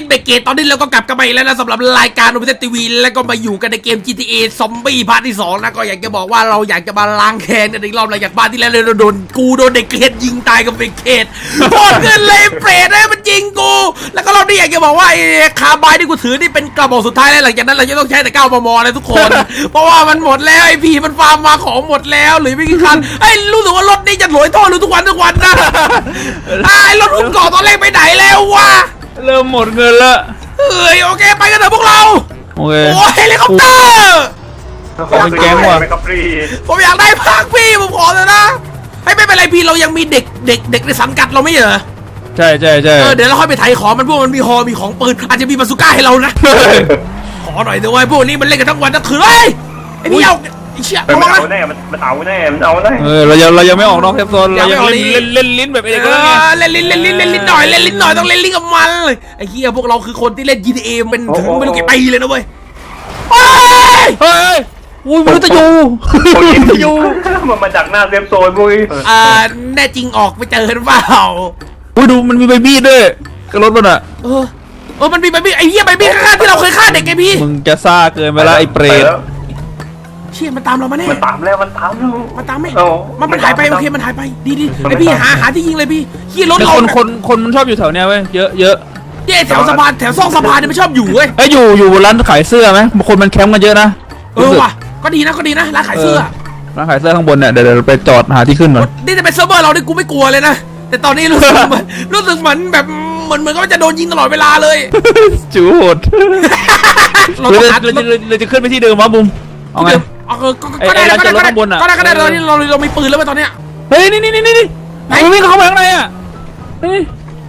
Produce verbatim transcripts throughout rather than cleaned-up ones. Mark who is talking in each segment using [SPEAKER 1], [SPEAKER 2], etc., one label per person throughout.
[SPEAKER 1] เบเกตตอนนี้เราก็กลับกันมาอีกแล้วนะสำหรับรายการโอเปเซทีวีแล้วก็มาอยู่กันในเกม จี ที เอ ซอมบี้พาร์ทที่สองนะก็อยากจะบอกว่าเราอยากจะมาล้างแค้นกันอีกรอบหลังจากบ้านที่แล้วเราโดนกูโดนเด็กเกตยิงตายกับเบเกตโคตรเกินเลยเปรตเลยมันยิงกูแล้วก็รอบนี้อยากจะบอกว่าไอ้คาร์บายที่กูถือนี่เป็นกระบอกสุดท้ายแล้วหลังจากนั้นเราจะต้องใช้แต่เก้ามมเลยทุกคน เพราะว่ามันหมดแล้วไอ้พีมันฟาร์มมาของหมดแล้วหรือไม่กี่คันไอ้รู้สึกว่ารถนี้จะหลอยท่อรู้ทุกวันทุกวันนะไอ้รถหุ้มเกาะตอนแรกไปไหนแล้ววะ
[SPEAKER 2] เริ่มหมดเงินละ
[SPEAKER 1] เฮ้ยโอเคไปกันเถอะพวกเรา
[SPEAKER 2] โอเค
[SPEAKER 1] โอ้ยเฮลิคอปเตอร์
[SPEAKER 2] เป็นแก๊งว่ะ
[SPEAKER 1] ผมอยากได้ภาคพี่ผมขอเลยนะให้ไม่เป็นไรพี่เรายังมีเด็กเด็กเด็กในสังกัดเราไม่เหรอ
[SPEAKER 2] ใช่ใช่ใช่
[SPEAKER 1] เออเดี๋ยวเราค่อยไปไถของมันพวกมันมีฮอมีของปืนอาจจะมีบาซูก้าให้เรานะขอหน่อยเถอะไว้พวกนี้มันเล่นกันทั้งวันทั้งคืนเฮ้ยไอ้พี่เอาไอ้เชี่ย
[SPEAKER 3] มันเอาแน่มันเอาแน่มันเอาแน่
[SPEAKER 2] เออเรายังเรายังไม่ออกนอกเซฟโซนเรายังเล่นเล่นเล่นลิ้นแบบไอ้เด็ก
[SPEAKER 1] เล่นลิ้นเล่นลิ้นเล่นลิ้นหน่อยเล่นลิ้นหน่อยต้องเล่นลิ้นกับมันเลยไอ้เหี้ยพวกเราคือคนที่เล่น จี ที เอ เป็นถึงไม่รู้กี่ปีเลยนะเว้ยเฮ้ย
[SPEAKER 2] เฮ้ยอุ้ยมันจะอยู่มันจะอยู่
[SPEAKER 3] มันมาจากหน้าเซฟโซนมุ้ย
[SPEAKER 1] อ่าแน่จริงออกไปเจอหรือเปล่า
[SPEAKER 2] อุ้ยดูมันมีใบมีดด้วยกับรถมันอ่ะ
[SPEAKER 1] เออเออมันมีใบมีดไอ้เหี้ยใบมีดฆ่าที่เราเคยฆ่าเด็กไงพี่
[SPEAKER 2] มึงจะซ่าเกินไปละไอ้เปรต
[SPEAKER 1] เชี่ยมันตามเรามาแน่
[SPEAKER 3] มันตามแล้วมันตามแล้ว
[SPEAKER 1] มันตามไหมมันมันหายไปโอเคมันหายไปดีดีไอพี่หาหาที่ยิงเลยพี่ขี่รถเรา
[SPEAKER 2] คนคนคนมันชอบอยู่แถวเนี้ยเว้ยเยอะเยอะ
[SPEAKER 1] เย่แถวสะพานแถวซอกสะพานเนี่ยมันชอบอยู่เว้ย
[SPEAKER 2] ไอ้อยู่อยู่ร้านขายเสื้อไหมคนมันแคมป์กันเยอะนะ
[SPEAKER 1] เออว่ะก็ดีนะก็ดีนะร้านขายเสื้อ
[SPEAKER 2] ร้านขายเสื้อข้างบนเนี่ยเดี๋ยวเราไปจอดหาที่ขึ้นหน่อย
[SPEAKER 1] นี่จะเป็นเซิร์ฟเวอร์เราดิกูไม่กลัวเลยนะแต่ตอนนี้รู้สึกรู้สึกเหมือนแบบเหมือนเหมือนก็จะโดนยิงตลอดเวลาเลย
[SPEAKER 2] จูโหดเราจะเราจะขึ้นไปที่เดิมวะบุ้มเอาไง
[SPEAKER 1] ก็ได้ก็ได้ก็ได้ก็ได้ก็ได้ตอนนี้เราเรามีปืนแล้วตอนเนี้ย
[SPEAKER 2] เฮ้ยนี่นี่นี่นี่ไหนวิ่งเข้ามาข้างในอ่ะเฮ้ย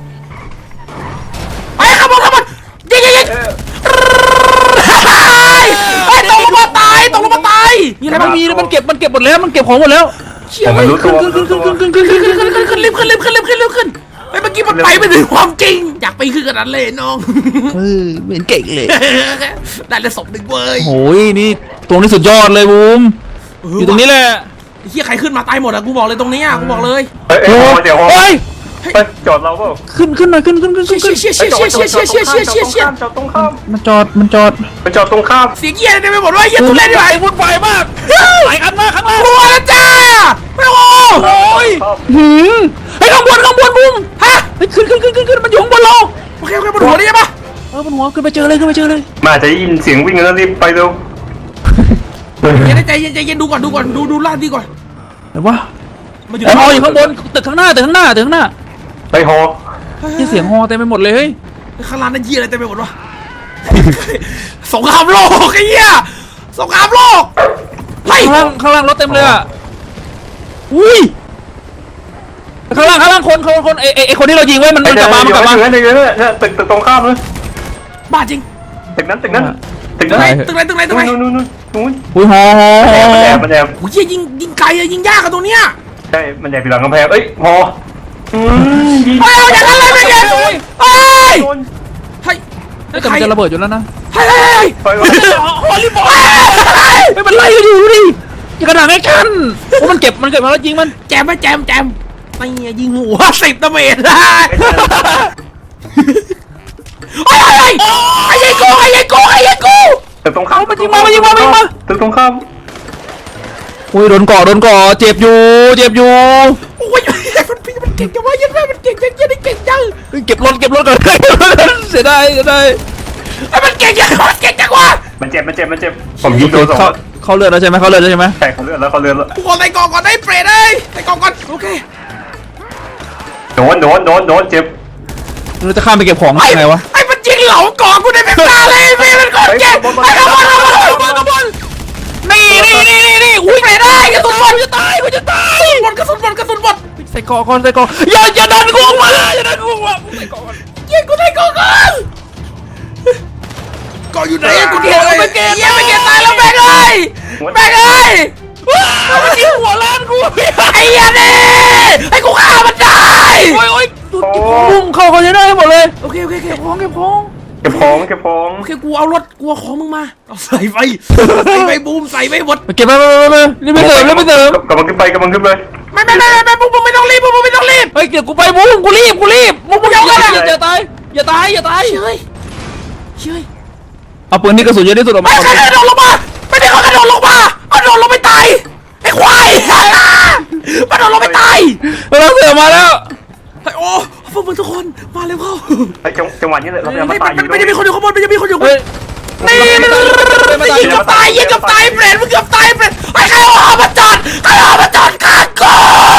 [SPEAKER 1] ไปขับรถขับรถยิงยิงยิงไอ้ตกลงมาตายตกลงมาตาย
[SPEAKER 2] มีอะไรมันมีมันเก็บมันเก็บหมดแล้วมันเก็บของหมดแล้ว
[SPEAKER 1] เชี่ยขึ้นขึ้นขึ้นขึ้นขึ้นขึ้นขึ้นขึ้นขึ้นขึ้นขึ้นรีบขึ้นรีบขึ้นรีบขึ้นรีบขึ้นไอ้เมื่อกี้มันไปไม่ถึงความจริงอยากไปขึ้นขนาดเลยน้อง
[SPEAKER 2] เออเหมือนเก่งเลย
[SPEAKER 1] ได้เลยศพหนึ่งเว้ย
[SPEAKER 2] โอ้ยนี่ตรงนี้สุดยอดเลยบูมอยู่ตรงนี้แหละ
[SPEAKER 1] เฮียใครขึ้นมาตายหมดอะกูบอกเลยตรงนี้อะกูบอกเลย
[SPEAKER 3] เฮ้ยเดี๋ยวเฮ้ยจอดเราเปล่า
[SPEAKER 2] ขึ้นขึ้นหน่อยขึ้นขึ้นขึ้นขึ้น
[SPEAKER 1] เชี่ยเชี่ยเชี่ยเชี่ยเชี่ยเชี่ยเชี่ยเชี่ยเชี่ย
[SPEAKER 3] จอดตรงข้าม
[SPEAKER 2] มันจอดมันจอด
[SPEAKER 3] มันจอดตรงข้าม
[SPEAKER 1] เสียงเฮียอะไรไปหมดวะเฮียทุเรศด้วย
[SPEAKER 2] วุ่นวายมากหลายอันมากข้างล่าง
[SPEAKER 1] รัวแล้วจ้าโอ้
[SPEAKER 2] โหหืมไอ้ข้างบนข้างบนบูมฮะขึ้นขึ้นขึ้นขึ้นขึ้นมันอยู่ข้างบนเรา
[SPEAKER 1] โอเคโอเคบนหัวนี่ใช่ปะ
[SPEAKER 2] เออบนหัวขึ้นไปเจอเลยขึ้นไปเจอเลย
[SPEAKER 3] มาจะยินเสียงวิ่งแล้วรีบไปเร็ว
[SPEAKER 1] ใจเย็นใจเย็นดูก่อนดูก่อนดูดูลาดดีก่อน
[SPEAKER 2] ไหนวะไอ้ฮออยู่ข้างบนตึกข้างหน้าตึกข้างหน้าตึกข้างหน้า
[SPEAKER 3] ไปฮอ
[SPEAKER 2] ที่เสียงฮอเต็มไปหมดเลยเฮ้ย
[SPEAKER 1] ข้างล่างนั่นเหี้ยอะไรเต็มไปหมดวะสงครามโลกไอ้เหี้ยสงครามโลก
[SPEAKER 2] ข้างล่างข้างล่างรถเต็มเลยอ่ะอุ้ยข้างล่างข้างล่างคนคนคนไอไอคนที่เรายิงไว้มันมันกลับมามันกลับมา
[SPEAKER 3] เนี่ยเนี่ยตึกตึกตรงข้ามเลย
[SPEAKER 1] บ้าจริง
[SPEAKER 3] ตึกนั้นตึกนั้นตึก
[SPEAKER 1] ไหนตึกไหนตึกไหนตึกไหน
[SPEAKER 3] นู่นนู่นนู่นนู่น
[SPEAKER 2] อุ้ยฮอ
[SPEAKER 3] มันแอบมันแอบ
[SPEAKER 1] โอ้ยยิงยิงไกลอะยิงยากอะตรงเนี้ย
[SPEAKER 3] ใช่มันแอบอยู่หลังกำแพงเอ้ยฮอ
[SPEAKER 1] เฮ้ยอย่างนั้นเลยไม่เงี้ยเฮ้ยเฮ้ย
[SPEAKER 2] เฮ้ยแต่มันจะระเบิดอยู่แล้วนะ
[SPEAKER 1] เฮ้ยเฮ้ย
[SPEAKER 2] ฮอลลีบอลไม่เป็นไรอยู่ดิยิงกระดาษแอคชั่นโอ้มันเก็บมันเก็บมาแล้วยิงมัน
[SPEAKER 1] แจมไหมแจมแจมไม่ยิงหัวสิบตะเมตรได้ไอ้ไอ้ไอ้ไอ้กูไอ้ไอ้กูไอ้ไอ้กู
[SPEAKER 3] ตึกตรงข้าม
[SPEAKER 2] มันยิงมามันยิงมามันยิงมา
[SPEAKER 3] ตึกตรงข้าม
[SPEAKER 2] โอ้ยโดนก่อโดนก่อเจ็บอยู่เจ็บอยู่
[SPEAKER 1] โอ้ยมันพี่มันเก่งจังวะยันแม่มันเก่งจังยันเก่งจัง
[SPEAKER 2] เก็บรถเก็บรถก่อนเสียดายเสียดาย
[SPEAKER 1] ไอ้มันเก่งจังมันเก่งจังวะ
[SPEAKER 3] มันเจ็บมันเจ็บมันเจ็บผมยิงโดนสอง
[SPEAKER 2] เขาเลือดแล้วใช่ไหมเขาเลือดแล้วใช่ไหม
[SPEAKER 3] ใช่เขาเลือดแล้วเขาเลือดแล้ว
[SPEAKER 1] กูขอใส่กล่องก่อนได้เปรตเลยใส่กล่องก่อนโอเค
[SPEAKER 3] โดนโดนโดนโดนเจ็บ
[SPEAKER 2] เราจะข้ามไปเก็บของยังไงวะ
[SPEAKER 1] ไอ้มันจริงเหลากล่องกูได้เป็นตาเลยพี่มันก่อนเจ็บไอ้กระบอลกระบอลกระบอลกระบอลนี่นี่นี่นี่นี่อุ้ยเปรตได้กระสุนหมดจะตายกูจะตายหมดกระสุนหมดกระสุนหมด
[SPEAKER 2] ใส่กล่องก่อนใส่กล่องอย่าอย่าดันกูมาอย่าดันกูมาใส่กล่องก่อน
[SPEAKER 1] ยิงกูใส่กล่องก่อนกล่องอยู่ไหนกูเดียวไม่เก็บยังไม่เก็บตายแล้วแบกเลยแบกเลย
[SPEAKER 2] มันยิงหัวล้านกู
[SPEAKER 1] ไอ้ยันนี่ไอ้กูฆ่ามันได้
[SPEAKER 2] โอ้ยโอ้ยบุ้มเข้าเขาจะได้หมดเลย
[SPEAKER 1] โอเคโอเคเก็บของเก็บข
[SPEAKER 3] องเก็บของเก็บของ
[SPEAKER 1] โอเคกูเอารถกูเอาของมึงมาเอาใส่ไปใส่ไปบูมใส่ไปหมด
[SPEAKER 2] เก็บไปไปไปไปนี่ไม่เติมนี่ไม่เติม
[SPEAKER 3] กำลังขึ้นไปกำลังขึ้นไป
[SPEAKER 1] ไม่ไม่ไม่ไม่บูมไม่ต้องรีบบูมไม่ต้องรีบ
[SPEAKER 2] เฮ้ยเดี๋ยวกูไปบูมกูรีบกูรีบบูมอย่าอย่าตายอย่าตายอย่าตาย
[SPEAKER 1] เฮ้ยเฮ้ย
[SPEAKER 2] เอาปืนที่กระสุนเยอะที่สุดออกมา
[SPEAKER 1] ไม่ใช่กระโดดลงมาไม่ได้เขากระโดดลงมาเอาโดดลงไปตายไอ้ควายมันโดดลงไปตาย
[SPEAKER 2] เราเสือมาแล้ว
[SPEAKER 1] ไอ้โอ้พวกมึงทุกคนมาเร็วเข้า
[SPEAKER 3] ไอ้จังจังหวะนี้เลยเราพยายาม
[SPEAKER 1] ไม่
[SPEAKER 3] มาตายอยู่
[SPEAKER 1] ไม่ได้มีคนอยู่ข้างบนไม่ได้มีคนอยู่ข้างบ
[SPEAKER 2] เฮ้ย
[SPEAKER 1] นนี่ยิงกับตายยิงกับตายเปรตมึงเกือบตายเปรตไอ้ใครเอามาจอดใครเอามาจอดข้างกู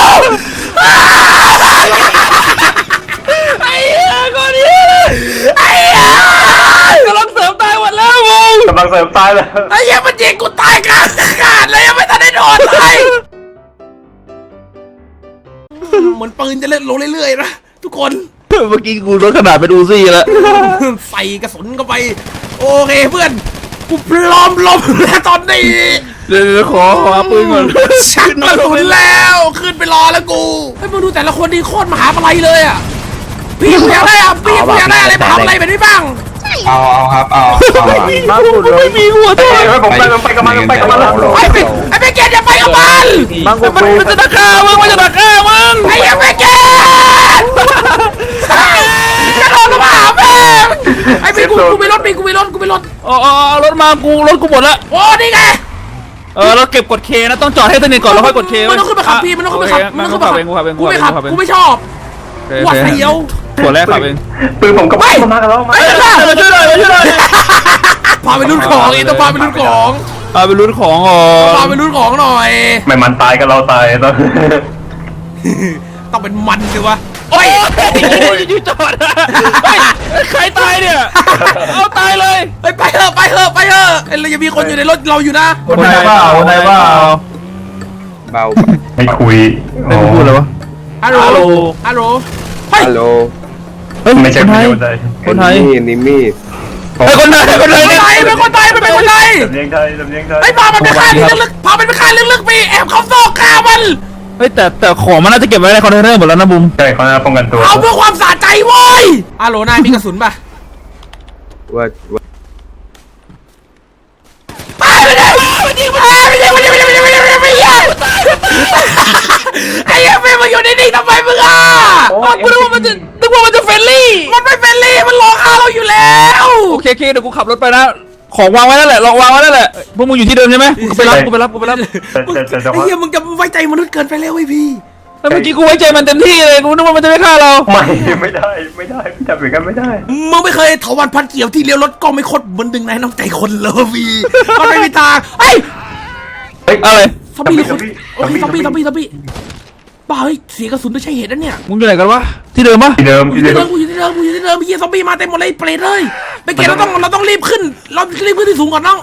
[SPEAKER 1] ไอ้เหี้ยคนนี้ไอ้เหี้ย
[SPEAKER 2] กำลังเสริมตายหมดแล้วมึง
[SPEAKER 3] กำลังเสริมตายเลย
[SPEAKER 1] ไอ้เหี้ยมันยิงกูตายกลางอากาศเลยยังไม่ทันได้โดนเลยเหมือนปืนจะเล่นลงเรื่อยๆนะทุกคน
[SPEAKER 2] เมื่อกี้กูลดขนาดเป็นอูซี่แล้ว
[SPEAKER 1] ใส่กระสุนเข้าไปโอเคเพื่อนกูพร้อมลบแล้วตอนนี้
[SPEAKER 2] เดี๋ยวขอหาปืนก่อน
[SPEAKER 1] ชักกระสุนแล้วขึ้นไปรอแล้วกูให้มึงดูแต่ละคนดีโคตรมหาอะไรเลยอ่ะพี่กูอยากได้อ่ะพี่กูอยากได้อะไรมหาอะไรแบบนี้บ้าง
[SPEAKER 4] เอาเอาครับเอาเอา
[SPEAKER 3] มาสุดเลย
[SPEAKER 2] ไม่มีหัว
[SPEAKER 3] เฮ้
[SPEAKER 2] ด้วย
[SPEAKER 3] ยผมไปผมไปกับมันไปกับมันแล้ว
[SPEAKER 1] ไอ้เป็นไอ้เป็นเกตอย่าไปกับมัน
[SPEAKER 2] มันมันจะดักฆ่ามึงมันจะดักฆ่ามึง
[SPEAKER 1] ไอ้ยังเป็นเกตกระโดดลงมาหาแม่ไอ้เป็นกูกูไม่รถเป็นกูไม่รถกูไม่รถ
[SPEAKER 2] อ๋อเอารถมากูรถกูหมดละ
[SPEAKER 1] โอ้นี่ไง
[SPEAKER 2] เออเราเก็บกดเคนะต้องจอดให้สนิทก่อนแล้วค่อยกดเค
[SPEAKER 1] มันต้องขึ้นไปขับพี่มันต้องขึ้นไปขับมันต้องขึ้นไปขับ
[SPEAKER 2] เองกูขับเอง
[SPEAKER 1] กูไม่ขับกูไม่ชอบกูเสียว
[SPEAKER 2] หัวแรกขับเอง
[SPEAKER 3] ปืนผมกับมันมากันแล้วมา
[SPEAKER 1] ไอ้เจ้า
[SPEAKER 2] มาช่วยหน่อยมาช่วยหน่อย
[SPEAKER 1] พาไปรุ่นของเองต้องพาไปรุ่นของ
[SPEAKER 2] เอาไปลุ้นของอ๋อ
[SPEAKER 1] พาไปรุ่นของหน่อย
[SPEAKER 3] ไม่มันตายกับเราตายตอน
[SPEAKER 1] ต้องเป็นมันสิวะโอ้ย
[SPEAKER 2] อยู่จอดใครตายเนี่ยเอาตายเลย
[SPEAKER 1] ไปไปเถอะไปเถอะไปเถอะเรายังมีคนอยู่ในรถเราอยู่นะ
[SPEAKER 2] คนไหนบ้าคนไหนบ้า
[SPEAKER 4] เบา
[SPEAKER 3] ให้คุย
[SPEAKER 2] ไม่พูดเลยวะ
[SPEAKER 1] ฮัลโหลฮัลโหลเฮ้ย
[SPEAKER 4] ฮัลโหล
[SPEAKER 2] เฮ้ย
[SPEAKER 3] ไม่ใช่
[SPEAKER 2] คนไทย
[SPEAKER 3] คนไทย
[SPEAKER 2] คนไทย
[SPEAKER 4] นี่นี่มีด
[SPEAKER 2] ไอ้คนไทยคนไทย
[SPEAKER 1] เป็นคนไทยเป็นคนไทยเป็นคนไทย
[SPEAKER 3] สำเนียงไทยสำเนียงไทย
[SPEAKER 1] ไอ้พามันไปฆ่าที่ลึกๆพามันไปฆ่าลึกๆไปแอบเข้าซอกฆ่ามัน
[SPEAKER 2] เฮ้ยแต่แต่ของมันน่าจะเก็บไว้ในคอนเทนเนอร์หมดแล้วนะบุม
[SPEAKER 3] ใช่เขาน่าป้องกันตัว
[SPEAKER 1] เอาเพื่อความสะใจเว้ยฮัลโหลนายมีกระสุนป่ะ
[SPEAKER 4] ว่าว่า
[SPEAKER 1] ไปไม่ได้ไม่ยิงไม่ได้ไม่ยิงไม่ยิงไม่ยิงไม่ยิงไม่ยิงไม่ยิงไอ้ยังไม่มาอยู่นิ่งๆทำไมมึงอ่ะ
[SPEAKER 2] กูนึกว่ามันจะนึกว่ามันจะเฟรนลี่
[SPEAKER 1] มันไม่เป็นลี่มันหลอกฆ่าเราอยู่แล้ว
[SPEAKER 2] โอเคโอเคเดี๋ยวกูขับรถไปนะของวางไว้นั่นแหละลองวางไว้นั่นแหละพวกมึงอยู่ที่เดิมใช่ไหมกูไปรับกูไปรับกูไปรับ
[SPEAKER 3] แต่แต่แต่แต่
[SPEAKER 1] ไอ้
[SPEAKER 3] ว่า
[SPEAKER 1] เหี้ยมึงจะไว้ใจมนุษย์เกินไปแล้วไอ้พี่
[SPEAKER 2] แต่เมื่อกี้กูไว้ใจมันเต็มที่เลยกูนึกว่ามันจะไม่ฆ่าเรา
[SPEAKER 3] ไม่ไม่ได้ไม่ได้ทำอย่างนั้นไม่ได้
[SPEAKER 1] มึงไม่เคยถาวันพันเกี่ยวที่เลี้ยวรถก็ไม่คดเหมือนดึงนายน้ำใจคนเลยพี่มันไม่มีทางเฮ้ย
[SPEAKER 3] เฮ้ย
[SPEAKER 2] อะไร
[SPEAKER 1] ซอมบี้หรือคนโอ้ยซอมบี้ซอมบี้ซอมบี้บ้าเฮ้ยเสียกระสุนไม่ใช่เหตุนะเนี่ย
[SPEAKER 2] มึงอยู่ไหนกันวะที่เดิมปะ
[SPEAKER 3] ที่เดิม
[SPEAKER 1] กูอ
[SPEAKER 3] ที่
[SPEAKER 1] ยู่
[SPEAKER 3] เดิ
[SPEAKER 1] ที่เดิ
[SPEAKER 3] ม
[SPEAKER 1] มกูอยู่ที่เดิมกูอยู่ที่เดิมเฮียซอมบี้มาเต็มหมดเลยเปรตเลยไปเกตเราต้องเราต้องรีบขึ้นเรารีบขึ้นที่สูงก่อนน้อง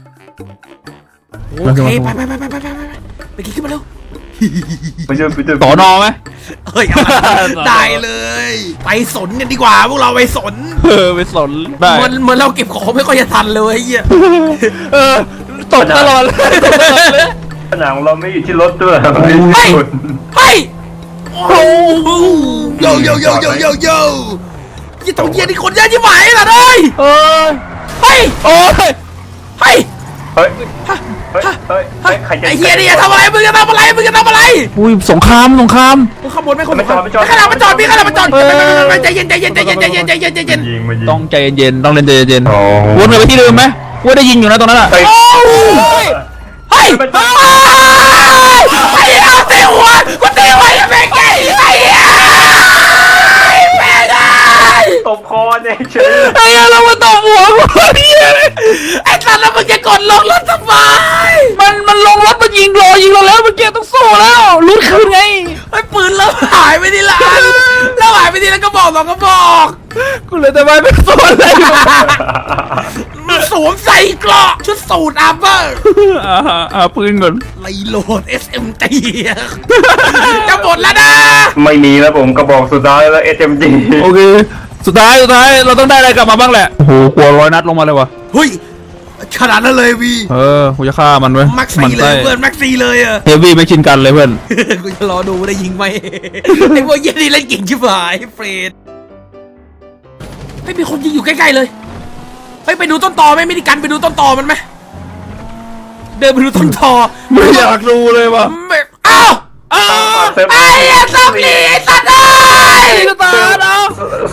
[SPEAKER 1] โอเคไปไปไปไปไปไปไปเกตขึ้นมาเร็ว
[SPEAKER 3] ไปเจอไปเจอ
[SPEAKER 2] ต่อนอไหม
[SPEAKER 1] เฮ้ยได้เลย ไปสนกันดีกว่าพวกเราไปสน
[SPEAKER 2] เออไปสนได้
[SPEAKER 1] เหมือนเหมือนเราเก็บของไม่ค่อยจะทันเลยเฮีย
[SPEAKER 2] เออตกตลอดเลย
[SPEAKER 3] ผนังเราไม่อยู่ที่รถด้วย
[SPEAKER 1] เฮ้ยเฮ้ยโอ้โหโยโยโยโยโยโยยี่ตรงเยียนี่คนเยอะยิ่งไหวล่ะเลย
[SPEAKER 2] เออ
[SPEAKER 1] เฮ้ย
[SPEAKER 2] โอ้ย
[SPEAKER 1] เฮ้ย
[SPEAKER 3] เฮ้ยเฮ้ยเฮ้ย
[SPEAKER 1] เฮ้ย
[SPEAKER 3] ใครจะ
[SPEAKER 1] ไอ้เฮียนี่จะทำอะไรมึงจะทำอะไรมึงจะทำอะไร
[SPEAKER 2] อุ้ยสงครามสงคราม
[SPEAKER 1] มึงขโมยไม่คน
[SPEAKER 3] ไม่จอดไม่จอด
[SPEAKER 1] ขนาดมันจอดพี่ขนาดมันจอด
[SPEAKER 2] เออ
[SPEAKER 1] ใจเย็นใจเย็นใจเย็นใจเย็นใจเย็นใจเย็น
[SPEAKER 3] ยิงมายิง
[SPEAKER 2] ต้องใจเย็นๆต้องเล่นใจเย็น
[SPEAKER 3] โอ้
[SPEAKER 2] ๆวนกลับไปที่เดิมไหมว่าได้ยิงอยู่นะตรงนั้นอ่ะ
[SPEAKER 3] เฮ้ย
[SPEAKER 1] โอ้ยเฮ้ยไอ้เหี้ยเตะหัวกูเตะหัวไอ้แม่งไงไอ้เหี้ยแม่งไง
[SPEAKER 3] ตบคอเนี่ยเฉย
[SPEAKER 2] ไอ้เรามาตบหัวกูเนี่ย
[SPEAKER 1] ไอ้สัตว์แล้วมึงจะกดลงรถทำไม
[SPEAKER 2] มันมันลงรถมันยิงรอยิงเราแล้วเมื่อกี้ต้องสู้แล้วลุ้นคืนไง
[SPEAKER 1] ไอ้ปืนแล้วหายไปทีละอันแล้วหายไปทีละกระบอกสองกระบอก
[SPEAKER 2] กูเลยแต่ไม่เป็นส่วนเลย
[SPEAKER 1] มันสวมใส่เกราะชุดสูทอาร์เบอร์
[SPEAKER 2] อ่าอ่าปืนก่อน
[SPEAKER 1] ไลโหลด เอส เอ็ม จี จะหมดแล้วนะ
[SPEAKER 3] ไม่มีแล้วผมกระบอกสุดท้ายแล้ว เอส เอ็ม จี
[SPEAKER 2] โอเคสุดท้ายสุดท้ายเราต้องได้อะไรกลับมาบ้างแหละโอ้โหกลัวร้อยนัดลงมาเลยวะ
[SPEAKER 1] เฮ้ยขนาดนั้นเลยวี
[SPEAKER 2] เออกูจะฆ่ามันเว้ย
[SPEAKER 1] แม็กซี่เลยเพื่อนแม็กซี่เลยอะ
[SPEAKER 2] เฮฟวี่ไม่ชินกันเลยเพื่อน
[SPEAKER 1] กูจะรอดูได้ยิงไหม ไอ้พวกเหี้ยนี่เล่นเก่งชิบหายเฟรดไม่มีคนยิงอยู่ใกล้ๆเลยเฮ้ยไปดูต้นตอไหมไม่ได้กันไปดูต้นตอมันไหมเดินไปดูต้นตอ
[SPEAKER 2] ไม่อยากดูเลยวะ
[SPEAKER 1] ไม่อ้าวอ้าวไอ้เหี้ยซับลีไอ้สัตว์เอ้ย
[SPEAKER 2] นี่ก็ตาเอา
[SPEAKER 3] ส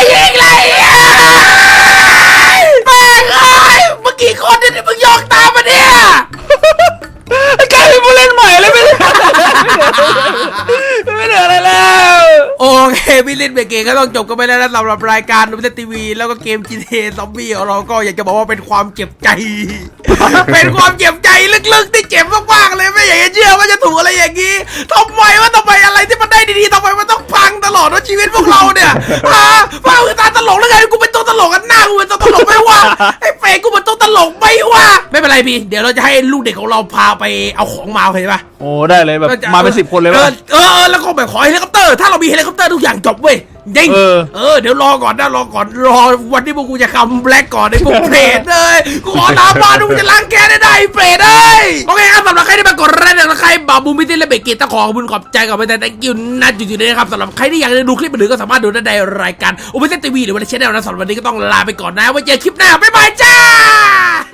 [SPEAKER 1] ยิงเลยแม่งเอ้ยเมื่อกี้คนเนี่ยมึงยกตามมาเนี่ย
[SPEAKER 2] ไอ้กายเป็นผู้เล่นใหม่เลยไม่ได้ไม่เหลืออะไรแล้ว
[SPEAKER 1] โอเคพี่ลินเบรกเกก็ต้องจบกันไปแล้วนะสำหรับรายการดูเล่นทีวีแล้วก็เกม จี ที เอ ซอมบี้ของเราก็อยากจะบอกว่าเป็นความเจ็บใจ เป็นความเจ็บใจลึกๆที่เจ็บมากๆเลยไม่อยากจะเชื่อว่าจะถูกอะไรอย่างนี้ทำไมว่าทำไมอะไรที่มันได้ดีๆทำไมมันต้องพังตลอดว่าชีวิตพวกเราเนี่ยฮะพวกเราคือตาตลกแล้วไงกูเป็นตัวตลกกันหน้ากูเป็นตัวตลกไม่ว่าไอ้เฟย์กูเป็นตัวตลกไม่ว่าไม่เป็นไรพี่เดี๋ยวเราจะให้ลูกเด็กของเราพาไปเอาของมาเห็นปะ
[SPEAKER 2] โอ้ได้เลยแบบมาเป็นสิบคนเลย
[SPEAKER 1] เอ
[SPEAKER 2] วะ
[SPEAKER 1] อเออเออแล้วก็แบบขอเฮลิคอปเตอร์ถ้าเรามีเฮลิคอปเตอร์ทุกอย่างจบเว้ยยิง
[SPEAKER 2] เออ
[SPEAKER 1] เออเดี๋ยวรอก่อนนะรอก่อนรอวันที่พวกกูจะคัมแบล็กก่อนไอ้พวกเปรตเลยกูขอตามมาดูมึงจะล้างแค้นได้ได้เปรตเอ้ยโอเคครับสำหรับใครที่มากดไลค์นะใครบาบูมิติและเบกเกตต้องขอขอบคุณขอบใจกับไปแต่ thank you นะจุดๆนี้นะครับสำหรับใครที่อยากจะดูคลิปอื่นก็สามารถดูได้ในรายการโอเปเซนทีวีหรือว่าในช่องนะสำหรับวันนี้ก็ต้องลาไปก่อนนะไว้เจอคลิปหน้าบ๊ายบายจ้า